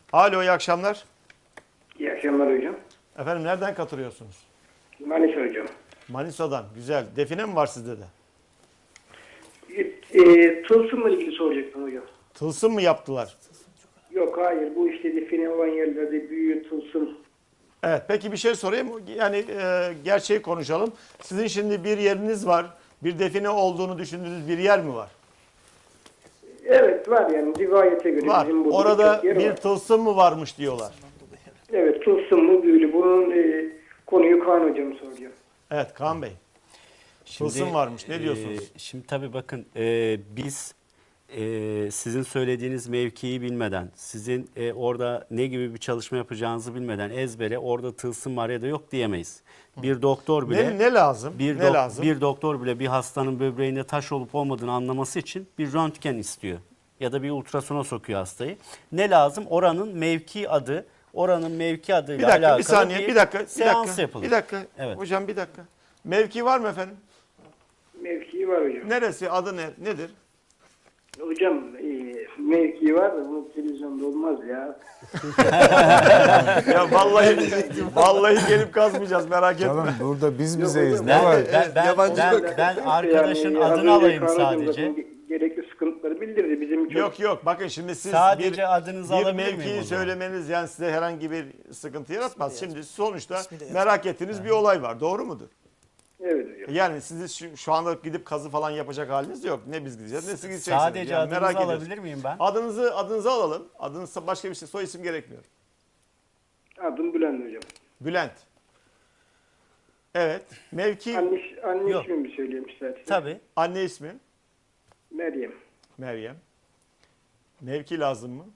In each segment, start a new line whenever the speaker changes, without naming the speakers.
Alo, iyi akşamlar.
İyi akşamlar hocam.
Efendim nereden katılıyorsunuz?
Manisa hocam.
Manisa'dan. Güzel. Define mi var sizde de?
Tılsımla ilgili soracaktım hocam.
Tılsım mı yaptılar?
Yok hayır, bu işte define olan yerlerde büyü, tılsım.
Evet, peki bir şey sorayım. Yani gerçeği konuşalım. Sizin şimdi bir yeriniz var. Bir define olduğunu düşündüğünüz bir yer mi var?
Evet var, yani rivayete göre
Var.
bizim burada
Orada
birçok yer
bir
var.
tılsım mı varmış diyorlar.
Evet, tılsımlı büyülü. Bunun konuyu Kaan hocam soracağım.
Evet, Kaan Bey. Tılsım varmış. Ne diyorsunuz?
Şimdi tabii bakın biz sizin söylediğiniz mevkiyi bilmeden, sizin orada ne gibi bir çalışma yapacağınızı bilmeden ezbere orada tılsım var ya da yok diyemeyiz. Bir doktor bile
Ne lazım? Ne lazım?
bir doktor bile bir hastanın böbreğinde taş olup olmadığını anlaması için bir röntgen istiyor ya da bir ultrasona sokuyor hastayı. Ne lazım? Oranın mevki adı, oranın mevki adıyla
Bir dakika,
alakalı
bir saniye, bir dakika,
seans yapılır.
Bir dakika.
Evet.
Hocam bir dakika. Mevki var mı efendim?
Mevkii var hocam.
Neresi? Adı nedir?
Hocam mevkii var da bu televizyonda olmaz ya.
Ya vallahi gelip kazmayacağız, merak etme.
Canım burada biz
Yok
bizeyiz.
hocam,
Ne var?
Ben arkadaşın
Yani az
adını
önce
alayım
Kaan hocam
sadece.
zaten gerekli sıkıntıları bildirdi. Bizim çok
Yok bakın şimdi siz
Sadece adınızı
bir
alabilir miyim
mevkiyi
o zaman?
söylemeniz yani size herhangi bir sıkıntı yaratmaz. Şimdi sonuçta merak ettiğiniz bir olay var, doğru mudur?
evet hocam.
Yani siz şu anda gidip kazı falan yapacak haliniz yok. Ne biz gideceğiz ne siz gideceksiniz.
Sadece
Yani
adınızı
merak ediyoruz.
alabilir miyim ben?
Adınızı alalım. Adınız başka bir şey, soy isim gerekmiyor.
Adım Bülent hocam.
Bülent. Evet. Mevki
Anne
Yok.
ismimi söyleyeyim isterseniz.
Tabii.
anne ismi
Meryem.
Meryem. Mevki lazım mı?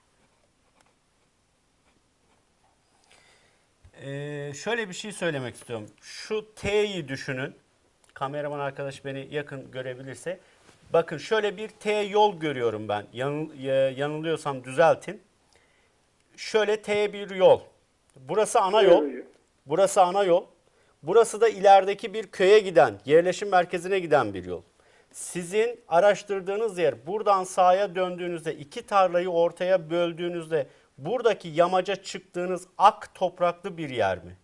Şöyle bir şey söylemek istiyorum. Şu T'yi düşünün. Kameraman arkadaş beni yakın görebilirse. Bakın şöyle bir T yol görüyorum ben. Yanılıyorsam düzeltin. Şöyle T bir yol. Burası ana yol.
Evet hocam.
Burası ana yol. Burası da ilerideki bir köye giden, yerleşim merkezine giden bir yol. Sizin araştırdığınız yer, buradan sağa döndüğünüzde, iki tarlayı ortaya böldüğünüzde buradaki yamaca çıktığınız ak topraklı bir yer mi?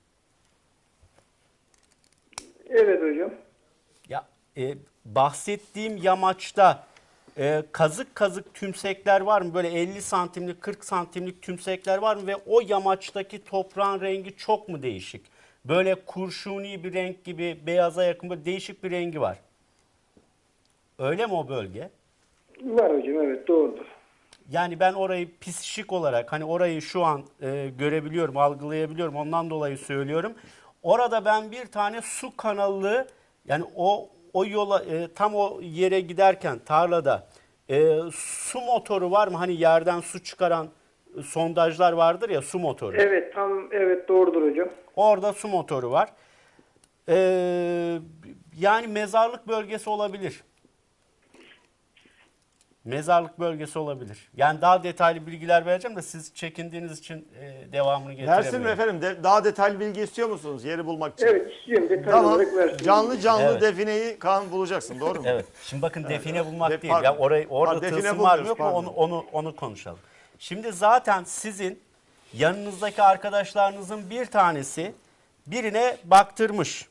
Evet hocam.
Ya bahsettiğim yamaçta kazık kazık tümsekler var mı? Böyle 50 santimlik, 40 santimlik tümsekler var mı? Ve o yamaçtaki toprağın rengi çok mu değişik? Böyle kurşuni bir renk gibi, beyaza yakın böyle değişik bir rengi var. Öyle mi o bölge?
Var hocam, evet doğrudur.
Yani ben orayı psişik olarak hani orayı şu an görebiliyorum, algılayabiliyorum. Ondan dolayı söylüyorum. Orada ben bir tane su kanalı yani o yola tam o yere giderken tarlada su motoru var mı? Hani yerden su çıkaran sondajlar vardır ya, su motoru.
Evet evet doğrudur hocam.
Orada su motoru var. Yani mezarlık bölgesi olabilir. Mezarlık bölgesi olabilir. Yani daha detaylı bilgiler vereceğim de siz çekindiğiniz için devamını getiremiyorum.
Versin mi efendim? Daha detaylı bilgi istiyor musunuz yeri bulmak için?
Evet istiyorum, detaylı
Tamam.
olarak versin.
Canlı
Evet.
defineyi Kaan bulacaksın, doğru mu?
Evet. Şimdi bakın define bulmak
De-
değil.
pardon.
Ya orada
Pardon, define
tılsım var mı
bulmuyoruz,
yok mu
pardon.
onu konuşalım. Şimdi zaten sizin yanınızdaki arkadaşlarınızın bir tanesi birine baktırmış.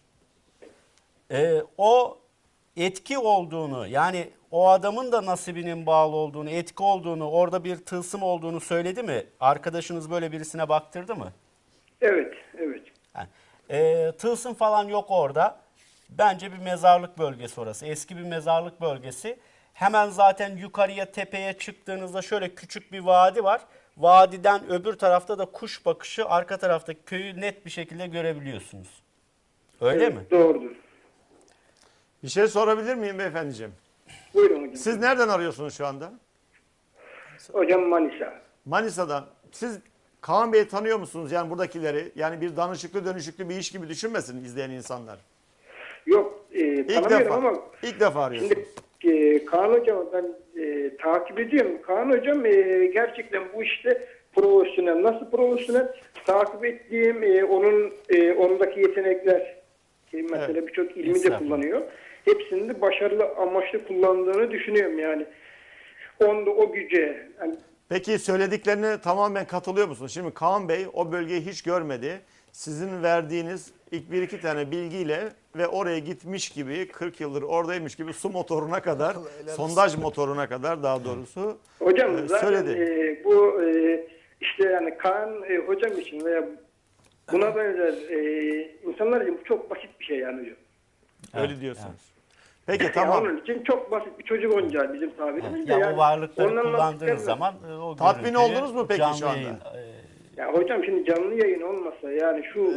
O etki olduğunu, yani o adamın da nasibinin bağlı olduğunu, etki olduğunu, orada bir tılsım olduğunu söyledi mi? Arkadaşınız böyle birisine baktırdı mı?
Evet.
Yani, tılsım falan yok orada. Bence bir mezarlık bölgesi orası. Eski bir mezarlık bölgesi. Hemen zaten yukarıya, tepeye çıktığınızda şöyle küçük bir vadi var. Vadiden öbür tarafta da kuş bakışı, arka taraftaki köyü net bir şekilde görebiliyorsunuz. Öyle
Evet,
mi?
doğrudur.
Bir şey sorabilir miyim beyefendiciğim?
Buyurun hocam.
Siz nereden arıyorsunuz şu anda?
Hocam Manisa.
Manisa'dan. Siz Kaan Bey'i tanıyor musunuz? Yani buradakileri. Yani bir danışıklı dönüşüklü bir iş gibi düşünmesin izleyen insanlar.
Yok
İlk
tanımıyorum
defa.
ama
İlk defa arıyorsunuz.
şimdi Kaan hocam ben takip ediyorum. Kaan hocam gerçekten bu işte profesyonel. Nasıl profesyonel? Takip ettiğim ondaki yetenekler mesela birçok ilmi de
Estağfurullah.
kullanıyor. Hepsini de başarılı amaçlı kullandığını düşünüyorum yani. Onda o güce yani
Peki söylediklerine tamamen katılıyor musunuz? Şimdi Kaan Bey o bölgeyi hiç görmedi. Sizin verdiğiniz ilk bir iki tane bilgiyle ve oraya gitmiş gibi 40 yıldır oradaymış gibi su motoruna kadar, sondaj motoruna kadar daha doğrusu
Hocam zaten
söyledi.
bu işte yani Kaan hocam için veya buna benzer insanlar için bu çok basit bir şey yani hocam.
Öyle diyorsunuz. Peki
Yani
tamam.
onun için çok basit bir çocuk oyuncağı bizim tabirimizde.
Ya
yani,
o varlıkları
ondan
kullandığınız
anlattıklarını-
zaman o
Tatmin
görüntüyü
oldunuz mu peki
canlı
şu anda?
yayın,
Ya hocam şimdi canlı yayın olmasa yani şu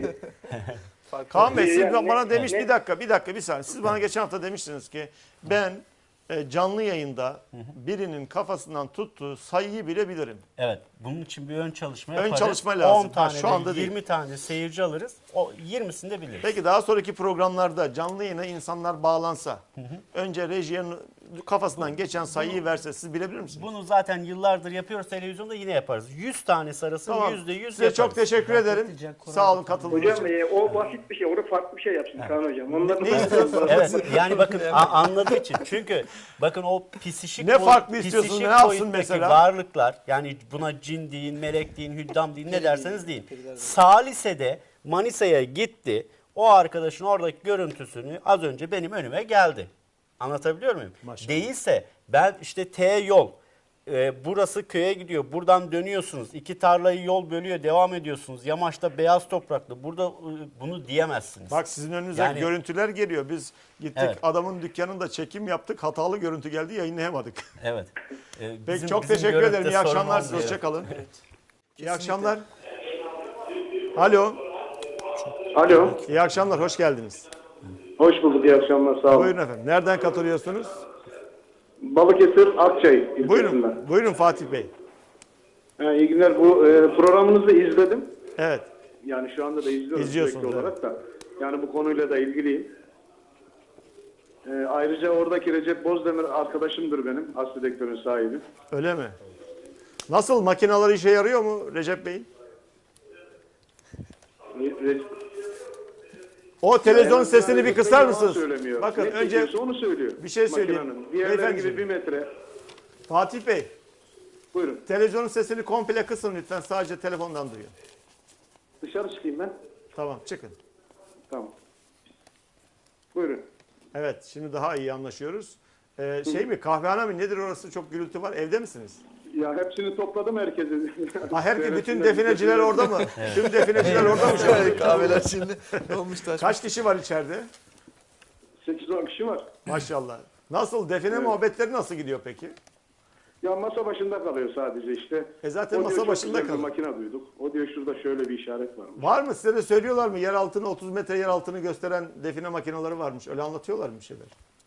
Kaan Bey siz
Yani
bana demiş
ne-
bir dakika bir saniye. Siz bana geçen hafta demiştiniz ki ben canlı yayında birinin kafasından tuttuğu sayıyı bile bilirim.
Evet. Bunun için bir ön çalışma
Ön
yaparız.
çalışma lazım.
10 tane
Şu anda
de
değil.
20 tane seyirci alırız. O 20'sini de biliriz.
Peki daha sonraki programlarda canlı yayına insanlar bağlansa önce rejiyenin kafasından geçen sayıyı verse siz bilebilir misiniz?
Bunu zaten yıllardır yapıyoruz. Televizyonda yine yaparız. 100 tane sarısın
Tamam.
%100
Size
yaparız.
çok teşekkür ederim. Sağ olun katıldığınız
hocam
için.
o basit bir şey. Orada farklı bir şey yapsın Kaan hocam. Onları
Ne
da-
istiyorsunuz?
Evet yani bakın anladığı için. Çünkü bakın o psişik
Ne farklı istiyorsunuz,
psişik
ne yapsın
boyuttaki
mesela?
varlıklar yani buna cin deyin, melek deyin, hüddam deyin ne derseniz deyin. Salise'de Manisa'ya gitti. O arkadaşın oradaki görüntüsünü az önce benim önüme geldi. Anlatabiliyor muyum?
Maşallah.
Değilse ben işte T yol burası köye gidiyor. Buradan dönüyorsunuz. İki tarlayı yol bölüyor. Devam ediyorsunuz. Yamaçta beyaz topraklı. Burada bunu diyemezsiniz.
Bak sizin önünüze
Yani-
görüntüler geliyor. Biz gittik
Evet.
adamın dükkanında çekim yaptık. Hatalı görüntü geldi yayınlayamadık.
Evet.
Peki çok teşekkür ederim. İyi akşamlar size. Hoşçakalın. İyi akşamlar. Alo.
Alo.
İyi akşamlar. Hoş geldiniz.
Hoş bulduk. İyi akşamlar. Sağ olun.
Buyurun efendim. Nereden katılıyorsunuz?
Balıkesir Akçay ilçesinden.
Buyurun. Buyurun Fatih Bey.
İyi günler. Bu programınızı izledim.
Evet.
Yani şu anda da izliyorum
İzliyorsunuz,
sürekli
evet.
olarak da. Yani bu konuyla da ilgiliyim. Ayrıca oradaki Recep Bozdemir arkadaşımdır benim. Aslı Dektör'ün sahibi.
Öyle mi? Nasıl makineler işe yarıyor mu Recep Bey? O televizyon
Yani
sesini bir
Recep
kısar
Bey
mısınız?
yalan söylemiyor.
Bakın
Ne
önce
çekiyorsa onu söylüyor.
bir şey söyleyeyim.
Makinenin. Diğerleri
Beyefendiciğim.
gibi 1 metre.
Fatih Bey,
Buyurun.
televizyonun sesini komple kısın lütfen. Sadece telefondan duyuyor.
Dışarı çıkayım ben.
Tamam, çıkın.
Tamam. Buyurun.
Evet, şimdi daha iyi anlaşıyoruz. Şey mi, kahvehane mi? Nedir orası? Çok gürültü var. Evde misiniz?
Ya hepsini topladım herkesi.
Bütün defineciler orada mı? Tüm defineciler orada mı şu anda?
Kahveler şimdi olmuş taş.
Kaç kişi var içeride?
8-10 kişi var.
Maşallah. Nasıl? Define muhabbetleri nasıl gidiyor peki?
Ya masa başında kalıyor sadece işte.
Zaten
O diyor,
masa
çok
başında
güzel bir
kalıyor.
makine duyduk. O diyor şurada şöyle bir işaret var.
Var mı? Size de söylüyorlar mı? Yer altını 30 metre yer altını gösteren define makineleri varmış. Öyle anlatıyorlar mı bir şeyler?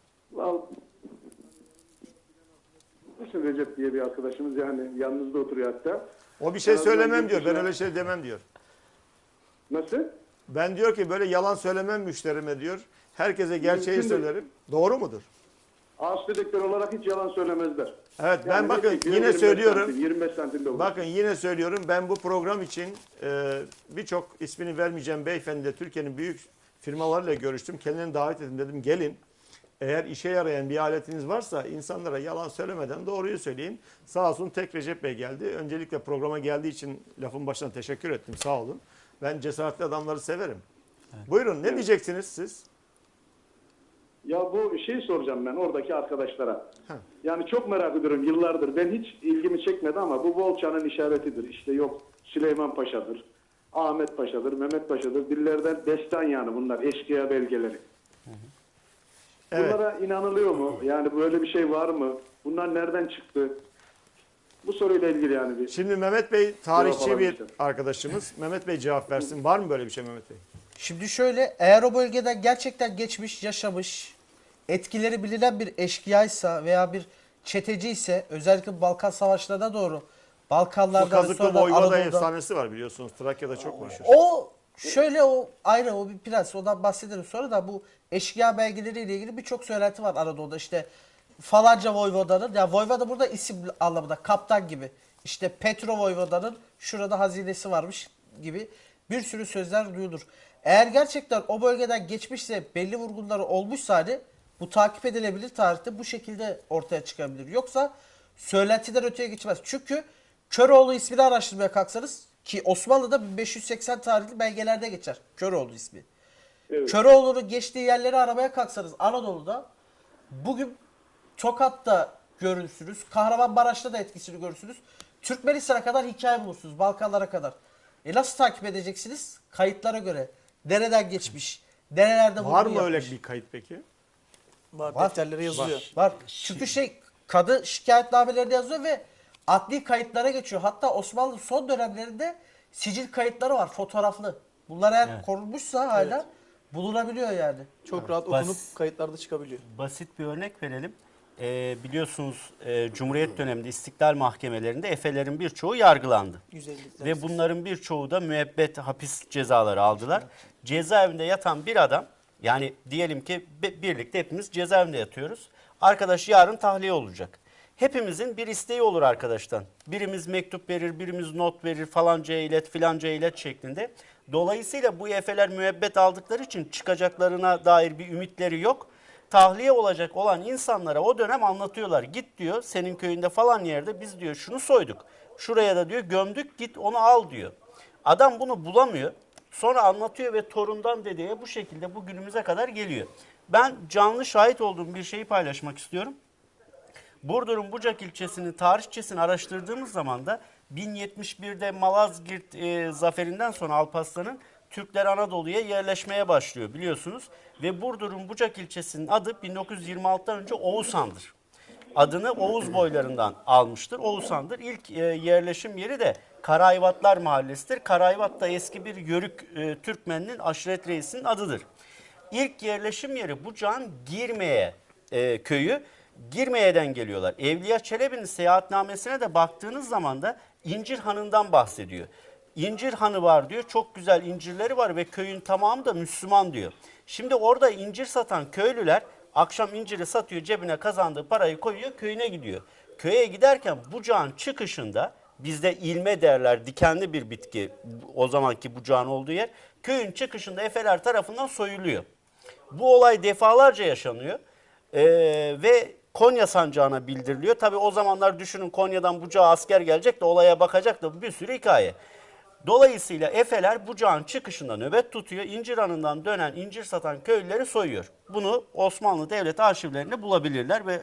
Nasıl Recep diye bir arkadaşımız yani yanınızda oturuyor hatta.
O bir şey
En azından
söylemem diyor. Ben
yurt
öyle şey demem diyor.
Nasıl?
Ben diyor ki böyle yalan söylemem müşterime diyor. Herkese gerçeği
Mümkün değil.
söylerim. Doğru mudur?
Ağaç dedektör olarak hiç yalan söylemezler.
Evet ben
Yani
bakın
ne çekiyor?
yine
25
söylüyorum.
santim, 25 santimde olur.
Bakın yine söylüyorum. Ben bu program için birçok ismini vermeyeceğim beyefendiyle Türkiye'nin büyük firmalarıyla görüştüm. Kendilerini davet ettim dedim gelin. Eğer işe yarayan bir aletiniz varsa insanlara yalan söylemeden doğruyu söyleyin. Sağ olsun tek Recep Bey geldi. Öncelikle programa geldiği için lafın başına teşekkür ettim. Sağ olun. Ben cesaretli adamları severim. Buyurun ne diyeceksiniz siz?
Ya bu şeyi soracağım ben oradaki arkadaşlara.
Heh.
Yani çok merak ediyorum yıllardır. Ben hiç ilgimi çekmedi ama bu Volça'nın işaretidir. İşte yok Süleyman Paşa'dır, Ahmet Paşa'dır, Mehmet Paşa'dır. Dillerden destan yani bunlar eşkıya belgeleri.
Evet.
Bunlara inanılıyor mu? Yani böyle bir şey var mı? Bunlar nereden çıktı? Bu soruyla ilgili yani bir.
Şimdi Mehmet Bey tarihçi
Cevap
bir
alamayacağım.
arkadaşımız. Mehmet Bey cevap versin. Var mı böyle bir şey Mehmet Bey?
Şimdi şöyle, eğer o bölgede gerçekten geçmiş, yaşamış, etkileri bilinen bir eşkıyaysa veya bir çeteci ise, özellikle Balkan Savaşları'na doğru
Bu
Balkanlardan
Kazıklı
sonra
Voyvoda
Anadolu'da.
efsanesi var biliyorsunuz. Trakya'da çok meşhur.
O şöyle, o ayrı, o bir prens, ondan bahsedelim sonra da. Bu eşkıya belgeleriyle ilgili birçok söylenti var Anadolu'da. İşte falanca voyvodanın, ya voyvoda burada isim anlamında, kaptan gibi. İşte Petro voyvodanın şurada hazinesi varmış gibi bir sürü sözler duyulur. Eğer gerçekten o bölgeden geçmişse, belli vurgunları olmuşsa hani bu takip edilebilir, tarihte bu şekilde ortaya çıkabilir. Yoksa söylentiden öteye geçmez. Çünkü Köroğlu ismini araştırmaya kalksanız ki Osmanlı'da 1580 tarihli belgelerde geçer Köroğlu ismi.
Evet.
Köroğlu'nun geçtiği yerleri aramaya kalksanız Anadolu'da bugün Tokat'ta görürsünüz, Kahramanmaraş'ta da etkisini görürsünüz. Türkmenistan'a kadar hikaye bulursunuz, Balkanlara kadar. Nasıl takip edeceksiniz? Kayıtlara göre. Nereden geçmiş, nerelerde vurgu
Var mı öyle
yapmış.
bir kayıt peki?
Var,
Var.
defterlere yazılıyor.
Var. Çünkü kadı şikayetnamelerinde yazıyor ve adli kayıtlara geçiyor. Hatta Osmanlı son dönemlerinde sicil kayıtları var, fotoğraflı. Bunlar eğer korunmuşsa hala bulunabiliyor yani.
Çok rahat
Bas-
okunup kayıtlarda çıkabiliyor.
Basit bir örnek verelim. Biliyorsunuz Cumhuriyet döneminde istiklal mahkemelerinde efelerin birçoğu yargılandı.
150
Ve bunların birçoğu da müebbet hapis cezaları aldılar. Cezaevinde yatan bir adam, yani diyelim ki birlikte hepimiz cezaevinde yatıyoruz. Arkadaş yarın tahliye olacak. Hepimizin bir isteği olur arkadaştan. Birimiz mektup verir, birimiz not verir, falancaya ilet, filancaya ilet şeklinde. Dolayısıyla bu efeler müebbet aldıkları için çıkacaklarına dair bir ümitleri yok. Tahliye olacak olan insanlara o dönem anlatıyorlar. Git diyor, senin köyünde falan yerde biz diyor şunu soyduk. Şuraya da diyor gömdük, git onu al diyor. Adam bunu bulamıyor. Sonra anlatıyor ve torundan dedeye bu şekilde bugünümüze kadar geliyor. Ben canlı şahit olduğum bir şeyi paylaşmak istiyorum. Burdur'un Bucak ilçesinin tarihçesini araştırdığımız zaman da 1071'de Malazgirt zaferinden sonra Alparslan'ın Türkler Anadolu'ya yerleşmeye başlıyor biliyorsunuz. Ve Burdur'un Bucak ilçesinin adı 1926'dan önce Oğuzhan'dır. Adını Oğuz boylarından almıştır. Oğuzhan'dır. İlk yerleşim yeri de Karayvatlar Mahallesi'dir. Karayvat da eski bir Yörük Türkmeninin aşiret reisinin adıdır. İlk yerleşim yeri Bucak'ın Girmeye köyü. Girmeye'den geliyorlar. Evliya Çelebi'nin seyahatnamesine de baktığınız zaman da İncir Hanı'ndan bahsediyor. İncir Hanı var diyor. Çok güzel incirleri var ve köyün tamamı da Müslüman diyor. Şimdi orada incir satan köylüler akşam inciri satıyor, cebine kazandığı parayı koyuyor, köyüne gidiyor. Köye giderken bucağın çıkışında, bizde ilme derler, dikenli bir bitki o zamanki bucağın olduğu yer, köyün çıkışında efeler tarafından soyuluyor. Bu olay defalarca yaşanıyor ve Konya sancağına bildiriliyor. Tabii o zamanlar düşünün, Konya'dan Bucak'a asker gelecek de olaya bakacak da bir sürü hikaye. Dolayısıyla efeler Bucak'ın çıkışında nöbet tutuyor. İncir Hanı'ndan dönen incir satan köylüleri soyuyor. Bunu Osmanlı Devlet arşivlerinde bulabilirler ve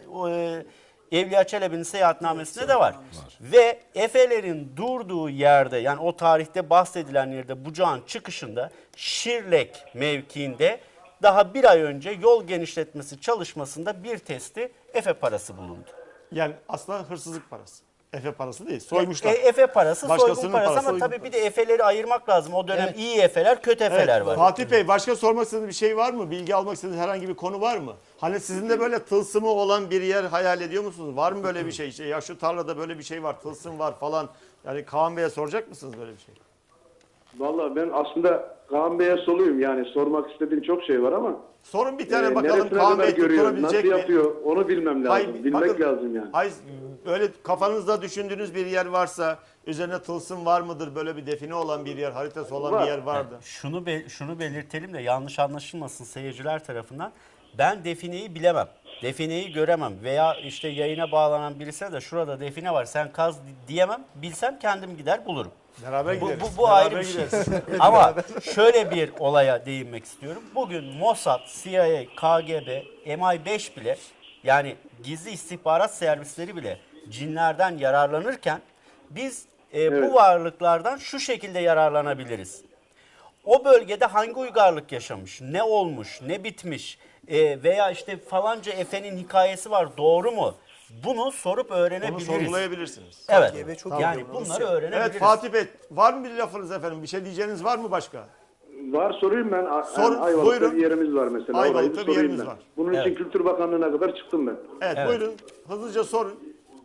Evliya Çelebi'nin seyahatnamesinde de var. Ve efelerin durduğu yerde, yani o tarihte bahsedilen yerde Bucak'ın çıkışında Şirlek mevkiinde daha bir ay önce yol genişletmesi çalışmasında bir testi efe parası bulundu.
Yani aslında hırsızlık parası. Efe parası değil. Soymuşlar.
Efe parası,
Başkasının
soygun parası
parası,
ama
soygun
tabii bir de efeleri ayırmak lazım. O dönem
Evet.
iyi efeler, kötü efeler var.
Fatih Bey, başka sormak istediğiniz bir şey var mı? Bilgi almak istediğiniz herhangi bir konu var mı? Hani sizin de böyle tılsımı olan bir yer hayal ediyor musunuz? Var mı böyle bir şey? İşte ya şu tarlada böyle bir şey var, tılsım var falan. Yani Kaan Bey'e soracak mısınız böyle bir şey?
Vallahi ben aslında Kaan Bey'e soluyum, yani sormak istediğim çok şey var ama
Sorun bir tane bakalım
neresine
Kaan
kadar
Bey
görüyor, nasıl
tutturabilecek mi?
yapıyor onu bilmem lazım,
Hayır,
bilmek
bakın,
lazım yani.
Hayır, böyle kafanızda düşündüğünüz bir yer varsa, üzerine tılsım var mıdır? Böyle bir define olan bir yer, haritası olan
Var.
bir yer vardı.
Şunu belirtelim de yanlış anlaşılmasın seyirciler tarafından. Ben defineyi bilemem. Defineyi göremem veya işte yayına bağlanan birisine de şurada define var sen kaz diyemem. Bilsem kendim gider bulurum.
Beraber
Bu,
gideriz.
bu
Beraber
ayrı bir şey.
gideriz.
Ama şöyle bir olaya değinmek istiyorum. Bugün Mossad, CIA, KGB, MI5 bile, yani gizli istihbarat servisleri bile cinlerden yararlanırken biz bu varlıklardan şu şekilde yararlanabiliriz. O bölgede hangi uygarlık yaşamış, ne olmuş, ne bitmiş veya işte falanca efenin hikayesi var, doğru mu? Bunu sorup
Onu
öğrenebiliriz.
sorgulayabilirsiniz.
Evet.
KGB çok
Yani
iyi.
bunları öğrenebiliriz.
Evet Fatih Bey, var mı bir lafınız efendim? Bir şey diyeceğiniz var mı başka?
Var, sorayım ben.
Sorun,
Ayvalık'ta
buyurun.
bir yerimiz var mesela.
Ayvalık'ta
Orayı
bir
sorayım
yerimiz
ben.
var.
Bunun için
Evet.
Kültür Bakanlığı'na kadar çıktım ben.
Evet,
Evet.
buyurun. Hızlıca sorun.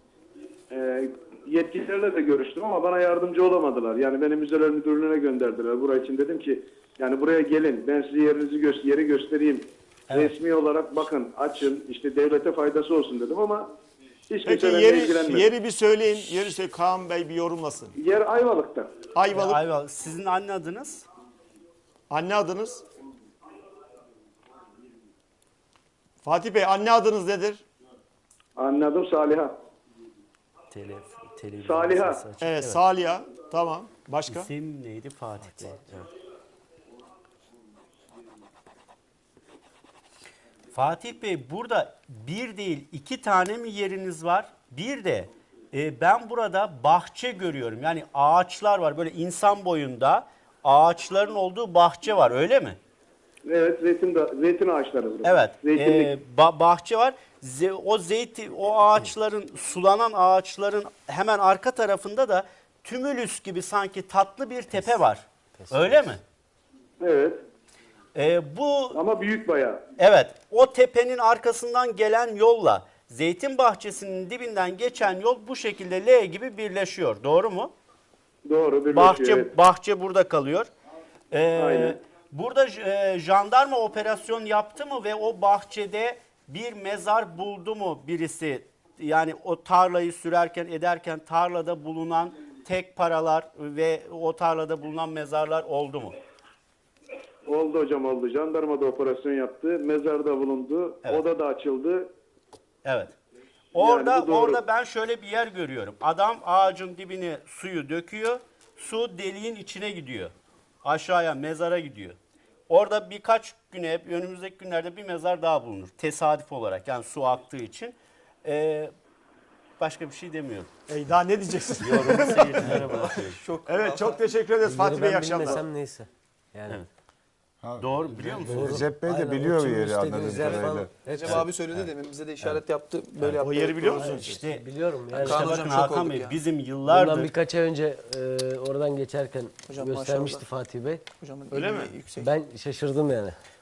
Yetkililerle de görüştüm ama bana yardımcı olamadılar. Yani beni müzeler müdürlüğüne gönderdiler. Buraya için dedim ki yani buraya gelin, ben size yeri göstereyim. Resmi olarak bakın, açın, işte devlete faydası olsun dedim ama hiç
Peki
kimse benimle ilgilenmedi.
yeri bir söyleyin. Yeri söyle, Kaan Bey bir yorumlasın.
Yer Ayvalık'ta.
Ayvalık.
Ayvalık. Sizin anne adınız?
Anne adınız? Fatih Bey, anne adınız nedir?
Anladım, Saliha.
Televizyon
Saliha.
sesi açık.
Evet, Saliha. Tamam. Başka?
İsim neydi? Fatih Bey. Evet. Fatih Bey, burada bir değil 2 tane mi yeriniz var? Bir de ben burada bahçe görüyorum. Yani ağaçlar var. Böyle insan boyunda ağaçların olduğu bahçe var. Öyle mi?
Evet, zeytin ağaçları burası.
Evet.
Zeytinlik.
Bahçe var. O ağaçların, sulanan ağaçların hemen arka tarafında da tümülüs gibi sanki tatlı bir tepe var. Öyle mi?
Evet.
Bu
Ama büyük bayağı.
Evet, o tepenin arkasından gelen yolla zeytin bahçesinin dibinden geçen yol bu şekilde L gibi birleşiyor. Doğru mu?
Doğru. Birleşiyor, evet.
Bahçe burada kalıyor.
Aynen.
Burada jandarma operasyon yaptı mı ve o bahçede bir mezar buldu mu birisi? Yani o tarlayı sürerken ederken tarlada bulunan tek paralar ve o tarlada bulunan mezarlar oldu mu?
Oldu hocam, oldu. Jandarma da operasyon yaptı. Mezarda bulundu.
Evet.
Oda da açıldı.
Evet. Orada
Yani bu doğru.
orada ben şöyle bir yer görüyorum. Adam ağacın dibine suyu döküyor. Su deliğin içine gidiyor. Aşağıya mezara gidiyor. Orada birkaç güne, önümüzdeki günlerde bir mezar daha bulunur. Tesadüf olarak, yani su aktığı için. Başka bir şey demiyorum.
Daha ne diyeceksin?
Yorumu seyircilere bırakıyorum.
Evet, çok teşekkür ederiz Fatih Bey. İyi
Ben
akşamlar.
bilmesem neyse. Yani.
Evet. Doğru, biliyor musun?
Recep Bey de
Aynen,
biliyor
o
yeri
istediğiniz
anladığım
yer
kadarıyla.
falan.
Recep abi söyledi demin bize de işaret yaptı. Böyle yaptı.
O yeri biliyor musun?
İşte
Biliyorum yani.
Kaan
İşte
hocam
bakın
şok
Hakan
olduk
Bey,
ya.
bizim
Bundan
yıllardır
birkaç ay önce oradan geçerken
Hocam
göstermişti
maşallah.
Fatih Bey.
Hocamın
Öyle
ilmi
mi?
Yüksek.
Ben şaşırdım yani.